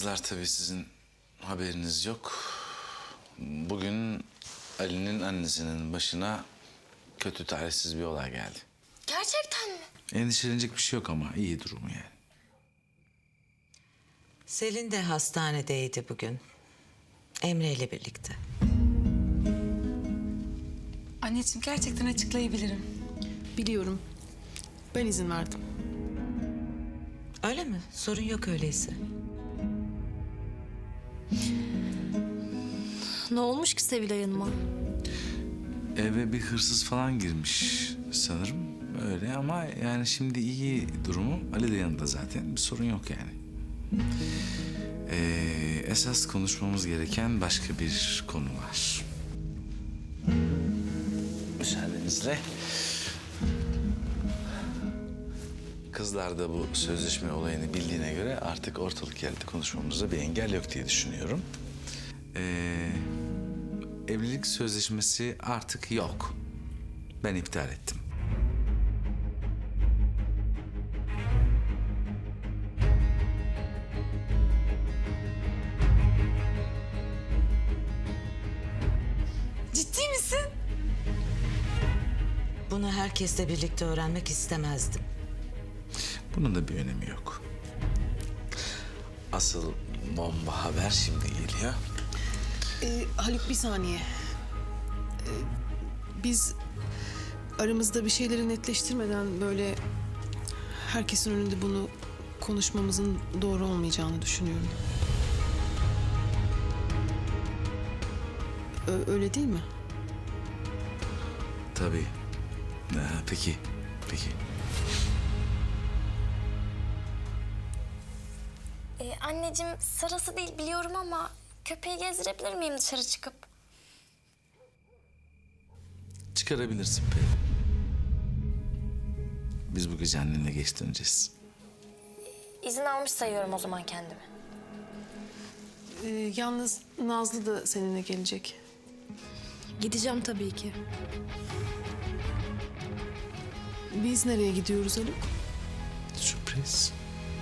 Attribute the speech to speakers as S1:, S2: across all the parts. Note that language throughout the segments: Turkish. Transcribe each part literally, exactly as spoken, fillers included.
S1: kızlar, tabii sizin haberiniz yok. Bugün Ali'nin annesinin başına kötü talihsiz bir olay geldi.
S2: Gerçekten mi?
S1: Endişelenecek bir şey yok ama iyi durumu yani.
S3: Selin de hastanedeydi bugün. Emre ile birlikte.
S2: Anneciğim gerçekten açıklayabilirim.
S4: Biliyorum. Ben izin verdim.
S3: Öyle mi? Sorun yok öyleyse.
S2: Ne olmuş ki Sevilay Hanım'a?
S1: Eve bir hırsız falan girmiş sanırım. Öyle ama yani şimdi iyi durumu. Ali de yanında zaten. Bir sorun yok yani. Ee, esas konuşmamız gereken başka bir konu var. Müsaadenizle. Kızlar da bu sözleşme olayını bildiğine göre artık ortalık yerde konuşmamıza bir engel yok diye düşünüyorum. Ee, evlilik sözleşmesi artık yok. Ben iptal ettim.
S2: Ciddi misin?
S3: Bunu herkesle birlikte öğrenmek istemezdim.
S1: Bunun da bir önemi yok. Asıl bomba haber şimdi geliyor.
S4: Ee, Haluk bir saniye. Ee, biz aramızda bir şeyleri netleştirmeden böyle herkesin önünde bunu konuşmamızın doğru olmayacağını düşünüyorum. Ö- öyle değil mi?
S1: Tabii. Ee, peki, peki.
S5: Ee, anneciğim sırası değil biliyorum ama köpeği gezdirebilir miyim dışarı çıkıp?
S1: Çıkarabilirsin Peri. Biz bu gece annenle geç döneceğiz.
S5: İzin almış sayıyorum o zaman kendimi.
S4: Ee, yalnız Nazlı da seninle gelecek.
S2: Gideceğim tabii ki.
S4: Biz nereye gidiyoruz Haluk?
S1: Sürpriz.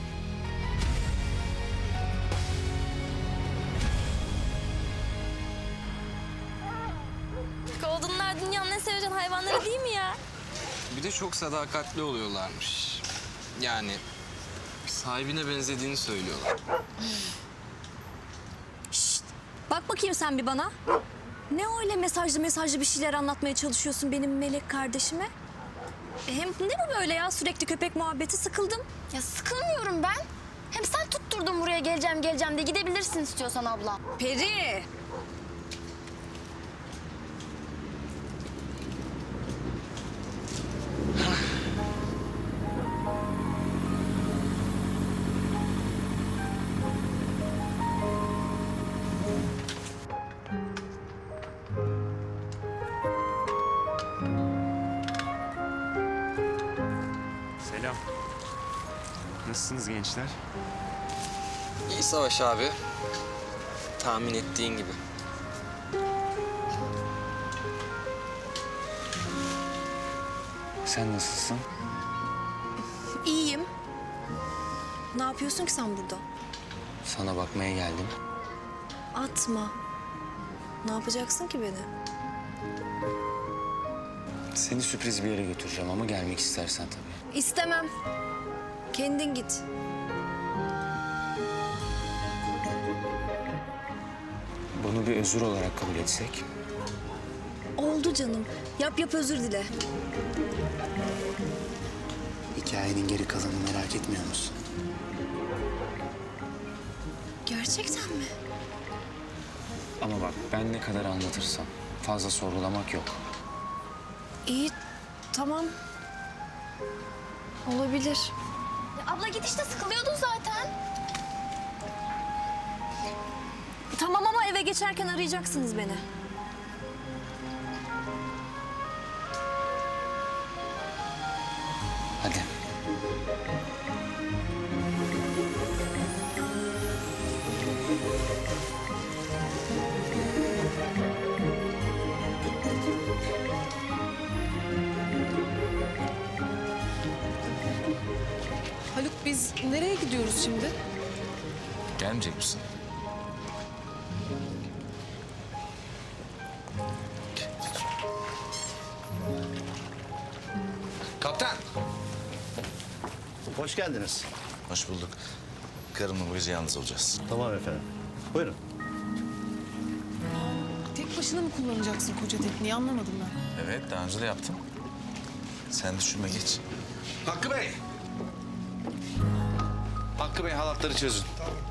S5: Golden'lar dünyanın en sevilen hayvanları değil mi ya?
S6: Bir de çok sadakatli oluyorlarmış. Yani sahibine benzediğini söylüyorlar.
S7: Bak bakayım sen bir bana. Ne öyle mesajlı mesajlı bir şeyler anlatmaya çalışıyorsun benim melek kardeşime? E hem ne bu böyle ya sürekli köpek muhabbeti, sıkıldım.
S5: Ya sıkılmıyorum ben. Hem sen tutturdun buraya geleceğim geleceğim de gidebilirsin istiyorsan abla.
S7: Peri.
S8: Selam. Nasılsınız gençler?
S6: İyi Savaş abi. Tahmin ettiğin gibi.
S8: Sen nasılsın?
S7: İyiyim. Ne yapıyorsun ki sen burada?
S8: Sana bakmaya geldim.
S7: Atma. Ne yapacaksın ki beni?
S8: Seni sürpriz bir yere götüreceğim ama gelmek istersen tabii.
S7: İstemem. Kendin git.
S8: Bunu bir özür olarak kabul etsek.
S7: Oldu canım. Yap yap özür dile.
S8: Hikayenin geri kalanını merak etmiyor musun?
S7: Gerçekten mi?
S8: Ama bak ben ne kadar anlatırsam fazla sorgulamak yok.
S7: İyi, tamam. Olabilir.
S5: Ya abla git işte sıkılıyordun zaten.
S7: Tamam ama eve geçerken arayacaksınız beni.
S8: Hadi.
S4: Haluk biz nereye gidiyoruz şimdi?
S1: Gelmeyecek misin? Kaptan.
S9: Hoş geldiniz.
S1: Hoş bulduk. Karımla bu gece yalnız olacağız.
S9: Tamam efendim. Buyurun.
S4: Tek başına mı kullanacaksın koca tekneyi anlamadım ben.
S1: Evet, daha önce de yaptım. Sen düşünme, geç. Hakkı Bey! Hakkı Bey, halatları çözün.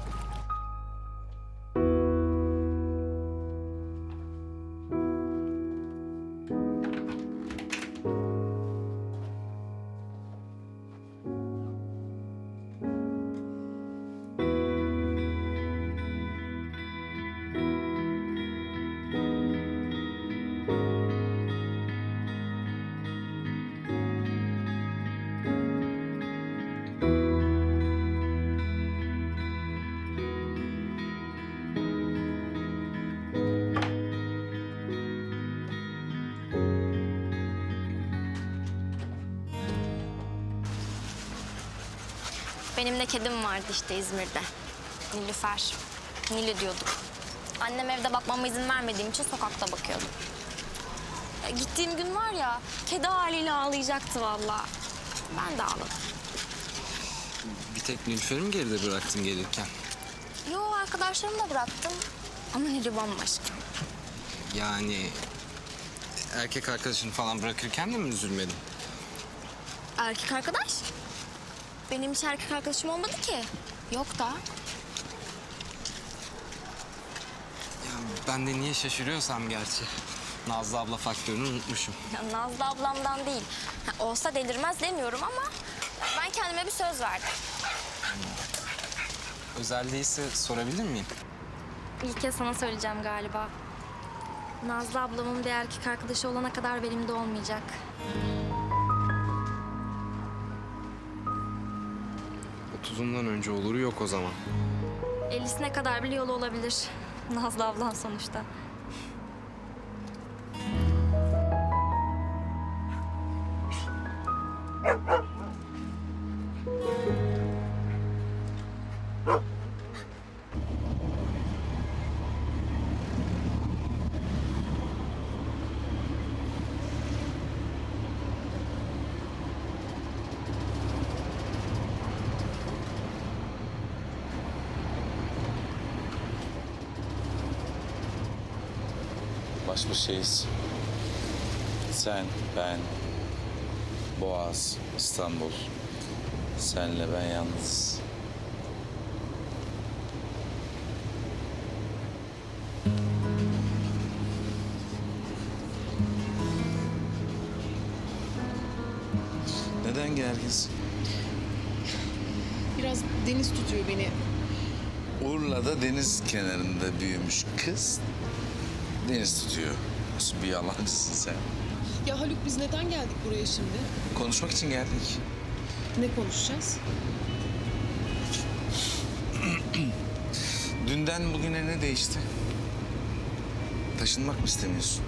S5: Benim de kedim vardı işte İzmir'de. Nilüfer. Nilü diyorduk. Annem evde bakmama izin vermediğim için sokakta bakıyordum. Ya gittiğim gün var ya, kedi haliyle ağlayacaktı vallahi. Ben de ağladım.
S6: Bir tek Nilüfer'i mi geride bıraktın gelirken?
S5: Yo, arkadaşlarımla bıraktım. Ama Nilü bambaşka.
S6: Yani erkek arkadaşını falan bırakırken de mi üzülmedin?
S5: Erkek arkadaş? Benim hiç erkek arkadaşım olmadı ki. Yok da.
S6: Ya ben de niye şaşırıyorsam gerçi. Nazlı abla faktörünü unutmuşum.
S5: Ya Nazlı ablamdan değil. Ha, olsa delirmez demiyorum ama ben kendime bir söz verdim.
S6: Özel değilse sorabilir miyim?
S5: İlk kez sana söyleyeceğim galiba. Nazlı ablamın bir erkek arkadaşı olana kadar benim de olmayacak.
S6: Otuzundan önce oluru yok o zaman.
S5: ellisine kadar bile yolu olabilir. Nazlı ablan sonuçta.
S1: Baş başayız. Sen, ben, Boğaz, İstanbul. Senle ben yalnız. Neden gerginsin?
S4: Biraz deniz tutuyor beni.
S1: Urla'da deniz kenarında büyümüş kız deniz tutuyor. Nasıl bir yalancısın sen?
S4: Ya Haluk biz neden geldik buraya şimdi?
S1: Konuşmak için geldik.
S4: Ne konuşacağız?
S1: Dünden bugüne ne değişti? Taşınmak mı istemiyorsun?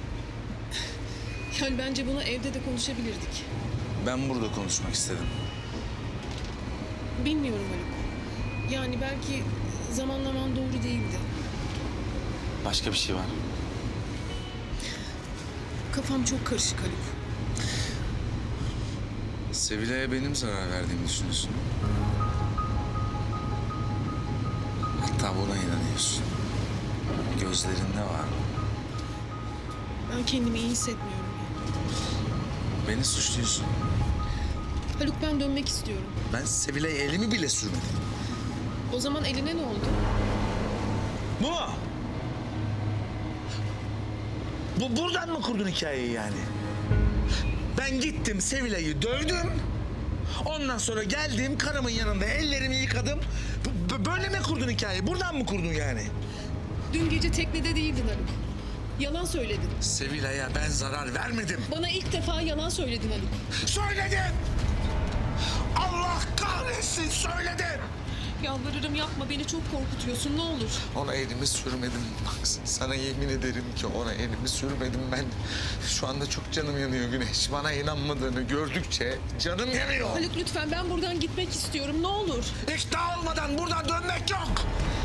S4: Yani bence bunu evde de konuşabilirdik.
S1: Ben burada konuşmak istedim.
S4: Bilmiyorum Haluk. Yani belki zamanlaman doğru değildi.
S1: Başka bir şey var.
S4: Kafam çok karışık Haluk.
S1: Sevilay'a benim zarar verdiğimi düşünüyorsun. Hatta buna inanıyorsun. Gözlerinde var.
S4: Ben kendimi iyi hissetmiyorum.
S1: Beni suçluyorsun.
S4: Haluk ben dönmek istiyorum.
S1: Ben Sevilay'a elimi bile sürmedim.
S4: O zaman eline ne oldu?
S10: Bu mu? Bu buradan mı kurdun hikayeyi yani? Ben gittim Sevilay'ı dövdüm. Ondan sonra geldim karımın yanında ellerimi yıkadım. B- b- böyle mi kurdun hikayeyi? Buradan mı kurdun yani?
S4: Dün gece teknede değildin Haluk. Yalan söyledin.
S10: Sevilay'a ben zarar vermedim.
S4: Bana ilk defa yalan söyledin Haluk.
S10: Söyledin! Allah kahretsin söyledin!
S4: Yalvarırım yapma, beni çok korkutuyorsun, ne olur.
S10: Ona elimi sürmedim. Bak sana yemin ederim ki ona elimi sürmedim ben. Şu anda çok canım yanıyor Güneş. Bana inanmadığını gördükçe canım yanıyor.
S4: Haluk lütfen, ben buradan gitmek istiyorum, ne olur.
S10: İkna olmadan buradan dönmek yok.